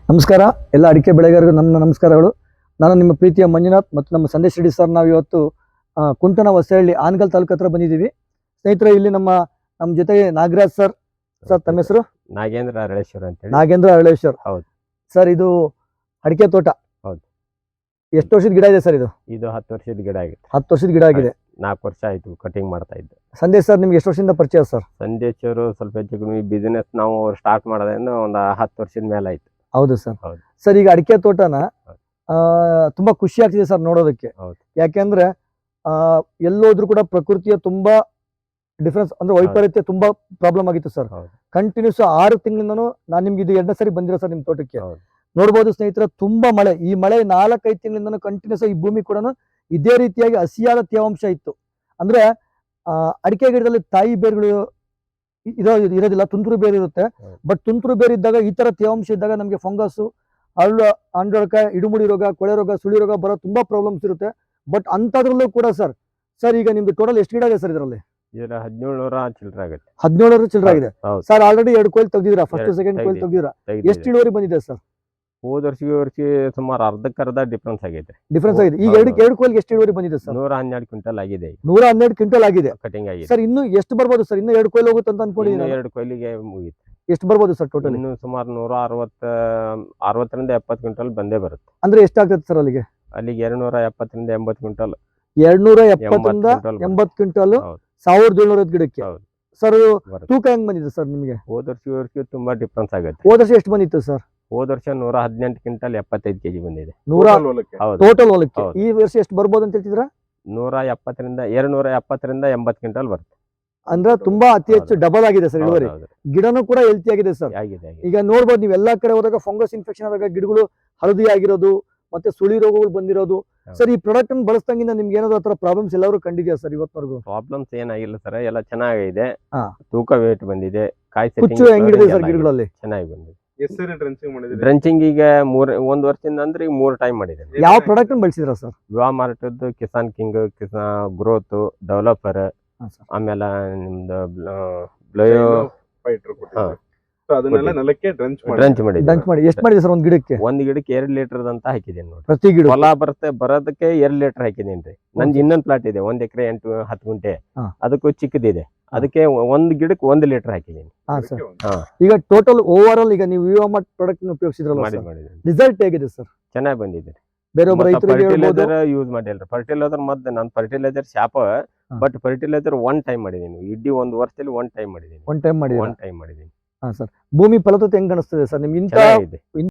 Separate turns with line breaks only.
ನಮಸ್ಕಾರ ಎಲ್ಲ ಅಡಿಕೆ ಬೆಳೆಗಾರರಿಗೂ ನನ್ನ ನಮಸ್ಕಾರಗಳು. ನಾನು ನಿಮ್ಮ ಪ್ರೀತಿಯ ಮಂಜುನಾಥ್ ಮತ್ತು ನಮ್ಮ ಸಂದೇಶ್ ರೆಡ್ಡಿ ಸರ್. ನಾವು ಇವತ್ತು ಕುಂಟನ ಹೊಸಹಳ್ಳಿ ಆನಗಲ್ ತಾಲೂಕು ಹತ್ರ ಬಂದಿದ್ದೀವಿ ಸ್ನೇಹಿತರೆ. ಇಲ್ಲಿ ನಮ್ಮ ಜೊತೆಗೆ ನಾಗರಾಜ್ ಸರ್. ಸರ್ ತಮ್ಮ ಹೆಸರು?
ನಾಗೇಂದ್ರ ಅರಳೇಶ್ವರ್ ಅಂತ ಹೇಳಿ.
ನಾಗೇಂದ್ರ ಅರಳೇಶ್ವರ್.
ಹೌದು
ಸರ್, ಇದು ಅಡಿಕೆ ತೋಟ.
ಹೌದು.
ಎಷ್ಟು ವರ್ಷದ ಗಿಡ ಇದೆ ಸರ್ ಇದು?
ಇದು 10 ವರ್ಷದ ಗಿಡ ಆಗಿದೆ.
10 ವರ್ಷದ ಗಿಡ ಆಗಿದೆ.
4 ವರ್ಷ ಆಯ್ತು ಕಟಿಂಗ್ ಮಾಡ್ತಾ ಇದ್ದೆ.
ಸಂದೇಶ್ ಸರ್ ನಿಮ್ಗೆ ಎಷ್ಟು ವರ್ಷದಿಂದ ಪರಿಚಯ ಸರ್?
ಸಂದೇಶ್ ಅವರು ಸ್ವಲ್ಪ ಹೆಚ್ಚು ಕಡಿಮೆ ಬಿಸಿನೆಸ್ ನಾವು ಸ್ಟಾರ್ಟ್ ಮಾಡೋದ್ರಿಂದ ಒಂದು 10 ವರ್ಷದ ಮೇಲೆ ಆಯ್ತು.
ಹೌದು ಸರ್.
ಹೌದು
ಸರ್, ಈಗ ಅಡಿಕೆ ತೋಟನ ತುಂಬಾ ಖುಷಿ ಆಗ್ತಿದೆ ಸರ್ ನೋಡೋದಕ್ಕೆ.
ಹೌದು.
ಯಾಕೆಂದ್ರೆ ಎಲ್ಲೋದ್ರೂ ಕೂಡ ಪ್ರಕೃತಿಯ ತುಂಬಾ ಡಿಫ್ರೆನ್ಸ್ ಅಂದ್ರೆ ವೈಪರೀತ್ಯ ತುಂಬಾ ಪ್ರಾಬ್ಲಮ್ ಆಗಿತ್ತು ಸರ್. ಕಂಟಿನ್ಯೂಸ್ 6 ತಿಂಗಳಿಂದನೂ ನಾನು ನಿಮ್ಗೆ ಇದು 2ನೇ ಸರಿ ಬಂದಿರೋ ಸರ್ ನಿಮ್ ತೋಟಕ್ಕೆ. ನೋಡ್ಬೋದು ಸ್ನೇಹಿತರೆ, ತುಂಬಾ ಮಳೆ. ಈ ಮಳೆ 4-5 ತಿಂಗಳಿಂದನೂ ಕಂಟಿನ್ಯೂಸ್ ಈ ಭೂಮಿ ಕೂಡ ಇದೇ ರೀತಿಯಾಗಿ ಹಸಿಯಾದ ತೇವಾಂಶ ಇತ್ತು. ಅಂದ್ರೆ ಅಡಿಕೆ ಗಿಡದಲ್ಲಿ ತಾಯಿ ಬೇರುಗಳು ಇರೋದಿಲ್ಲ, ತುಂತುರು ಬೇರು ಇರುತ್ತೆ. ಬಟ್ ತುಂತುರು ಬೇರು ಇದ್ದಾಗ ಈ ತರ ತೇವಾಂಶ ಇದ್ದಾಗ ನಮಗೆ ಫಂಗಸ್, ಅಂಡೊಳಕ, ಇಡುಮುಡಿ ರೋಗ, ಕೊಳೆ ರೋಗ, ಸುಳಿ ರೋಗ ಬರೋ ತುಂಬಾ ಪ್ರಾಬ್ಲಮ್ಸ್ ಇರುತ್ತೆ. ಬಟ್ ಅಂತದ್ರಲ್ಲೂ ಕೂಡ ಸರ್ ಈಗ ನಿಮ್ದು ಟೋಟಲ್ ಎಷ್ಟು ಗಿಡ ಇದೆ ಸರ್ ಇದರಲ್ಲಿ?
1700 ಚಿಲ್ಲರೆ ಆಗುತ್ತೆ.
1700 ಚಿಲ್ಲರೆ ಆಗಿದೆ ಸರ್. ಆಲ್ರೆಡಿ 2 ಕೊಯ್ಲು ತೆಗ್ದಿರಾ, ಫಸ್ಟ್ ಸೆಕೆಂಡ್ ಕೊಯ್ಲು ತೆಗ್ದಿರಾ. ಎಷ್ಟು ಇಳುವರಿ ಬಂದಿದೆ ಸರ್?
ಹೋದ ವರ್ಷಕ್ಕೆ ಸುಮಾರು ಅರ್ಧಕ್ಕರ್ಧ ಡಿಫ್ರೆನ್ಸ್ ಆಗೈತೆ.
ಈಗ 2 ಕೊಯ್ಲಿಗೆ ಎಷ್ಟು ಇಳುವರಿ ಬಂದಿದೆ ಸರ್?
112 ಕ್ವಿಂಟಲ್ ಆಗಿದೆ.
112 ಕ್ವಿಂಟಲ್ ಆಗಿದೆ
ಕಟಿಂಗ್ ಆಗಿದೆ
ಸರ್. ಇನ್ನು ಎಷ್ಟು ಬರ್ಬೋದು ಸರ್? ಇನ್ನು 2 ಕೊಯ್ಲು ಹೋಗುತ್ತೆ ಅಂತ ಅನ್ಕೊಂಡಿದ್ದೀನಿ.
2 ಕೊಯ್ಲಿಗೆ ಮುಗಿತು.
ಎಷ್ಟು ಬರ್ಬೋದು ಸರ್ ಟೋಟಲ್?
ಇನ್ನು ಸುಮಾರು 160ರಿಂದ 70 ಕ್ವಿಂಟಲ್ ಬಂದೇ ಬರುತ್ತೆ.
ಅಂದ್ರೆ ಎಷ್ಟಾಗ್ತದೆ ಸರ್ ಅಲ್ಲಿಗೆ?
270ರಿಂದ 80 ಕ್ವಿಂಟಲ್.
270ರಿಂದ 80 ಕ್ವಿಂಟಲ್ 1700 ಗಿಡಕ್ಕೆ ಸರ್. ತೂಕ ಹೆಂಗ್ ಬಂದಿದೆ ಸರ್ ನಿಮಗೆ?
ಹೋದ ವರ್ಷ ತುಂಬಾ ಡಿಫ್ರೆನ್ಸ್ ಆಗುತ್ತೆ.
ಹೋದ ವರ್ಷ ಎಷ್ಟು ಬಂದಿತ್ತು ಸರ್?
ಹೋದ ವರ್ಷ 118 ಕ್ವಿಂಟಲ್ 75 ಕೆಜಿ ಬಂದಿದೆ
ಟೋಟಲ್ ಹೊಲಕ್ಕೆ. ಈ ವರ್ಷ ಎಷ್ಟು ಬರ್ಬೋದು ಅಂತ ಹೇಳ್ತಿದ್ರ?
270ರಿಂದ 80 ಕ್ವಿಂಟಲ್ ಬರುತ್ತೆ.
ಅಂದ್ರೆ ತುಂಬಾ ಅತಿ ಹೆಚ್ಚು ಡಬಲ್ ಆಗಿದೆ ಸರ್ ಇಳುವರಿ. ಗಿಡನೂ ಕೂಡ ಹೆಲ್ತಿ ಆಗಿದೆ ಸರ್. ಈಗ ನೋಡ್ಬೋದು ನೀವು ಎಲ್ಲಾ ಕಡೆ ಹೋದಾಗ ಫಂಗಸ್ ಇನ್ಫೆಕ್ಷನ್ ಆದಾಗ ಗಿಡಗಳು ಹಳದಿ ಆಗಿರೋದು ಮತ್ತೆ ಸುಳಿ ರೋಗಗಳು ಬಂದಿರೋದು. ಸರ್, ಈ ಪ್ರಾಡಕ್ಟ್ ಅನ್ನು ಬಳಸ್ದಂಗಿಂದ ನಿಮ್ಗೆ ಏನಾದ್ರು ಆತರ ಪ್ರಾಬ್ಲಮ್ಸ್ ಎಲ್ಲರೂ ಕಂಡಿದ್ಯಾ ಸರ್ ಇವತ್ತವರೆಗೂ?
ಪ್ರಾಬ್ಲಮ್ಸ್ ಏನಾಗಿಲ್ಲ ಸರ್, ಎಲ್ಲ ಚೆನ್ನಾಗಿದೆ. ತೂಕ ವೇಟ್ ಬಂದಿದೆ. ಕಾಯಿ
ಕುಚ್ಚು ಹೆಂಗಿದೆ ಸರ್ ಗಿಡಗಳಲ್ಲಿ?
ಚೆನ್ನಾಗಿ ಬಂದಿದೆ. ಡ್ರೆಂಚಿಂಗ್ ಈಗ 1 ವರ್ಷದಿಂದ ಅಂದ್ರೆ 3 ಟೈಮ್ ಮಾಡಿದೆ.
ಯಾವ ಪ್ರಾಡಕ್ಟ್ ಅನ್ನು ಬಳಸಿದ್ರ ಸರ್?
ವಿವಾ ಮಾರ್ಟದ್ದು Kisan king, Kisan growth, developer, ಆಮೇಲೆ ನಿಮ್ದು ಬ್ಲಯೋ ಡ್ರಂಚ್ ಮಾಡಿ.
ಎಷ್ಟು ಮಾಡಿದೆ ಸರ್ ಒಂದ್ ಗಿಡಕ್ಕೆ?
ಒಂದ್ ಗಿಡಕ್ಕೆ 2 ಲೀಟರ್ ಅಂತ ಹಾಕಿದ್ದೀನಿ ನೋಡಿ.
ಪ್ರತಿ ಗಿಡ
ಹೊಲ ಬರೋದಕ್ಕೆ 2 ಲೀಟರ್ ಹಾಕಿದೀನಿ. ನಂದು ಇನ್ನೊಂದ್ ಪ್ಲಾಟ್ ಇದೆ, 1 ಎಕರೆ 8-10 ಗುಂಟೆ. ಅದಕ್ಕೂ ಚಿಕ್ಕದಿದೆ. ಅದಕ್ಕೆ ಒಂದ್ ಗಿಡಕ್ಕೆ 1 ಲೀಟರ್ ಹಾಕಿದೀನಿ.
ಈಗ ಟೋಟಲ್ ಓವರ್ ಆಲ್ ಈಗ ನೀವು ವಿವಾಮರ್ಟ್ ಪ್ರಾಡಕ್ಟ್ ಉಪಯೋಗಿಸಿದ್ರಲ್ಲ, ರಿಸಲ್ಟ್ ಹೇಗಿದೆ ಸರ್?
ಚೆನ್ನಾಗಿ ಬಂದಿದೆ.
ಬೇರೆ
ಫರ್ಟಿಲೈಸರ್ ಯೂಸ್ ಮಾಡಿಲ್ರಿ. ಫರ್ಟಿಲೈಸರ್ ಮತ್ತೆ ನಾನು ಫರ್ಟಿಲೈಸರ್ ಶಾಪ, ಬಟ್ ಫರ್ಟಿಲೈಸರ್ 1 ಟೈಮ್ ಮಾಡಿದೀನಿ. ಇಡೀ 1 ವರ್ಷದಲ್ಲಿ 1 ಟೈಮ್ ಮಾಡಿದೀನಿ.
ಒನ್ ಟೈಮ್ ಮಾಡಿದೀನಿ. ಭೂಮಿ ಫಲವತ್ತತೆ ಹೆಂಗ್ ಕಾಣಿಸ್ತದೆ ಸರ್ ನಿಮ್ಗೆ?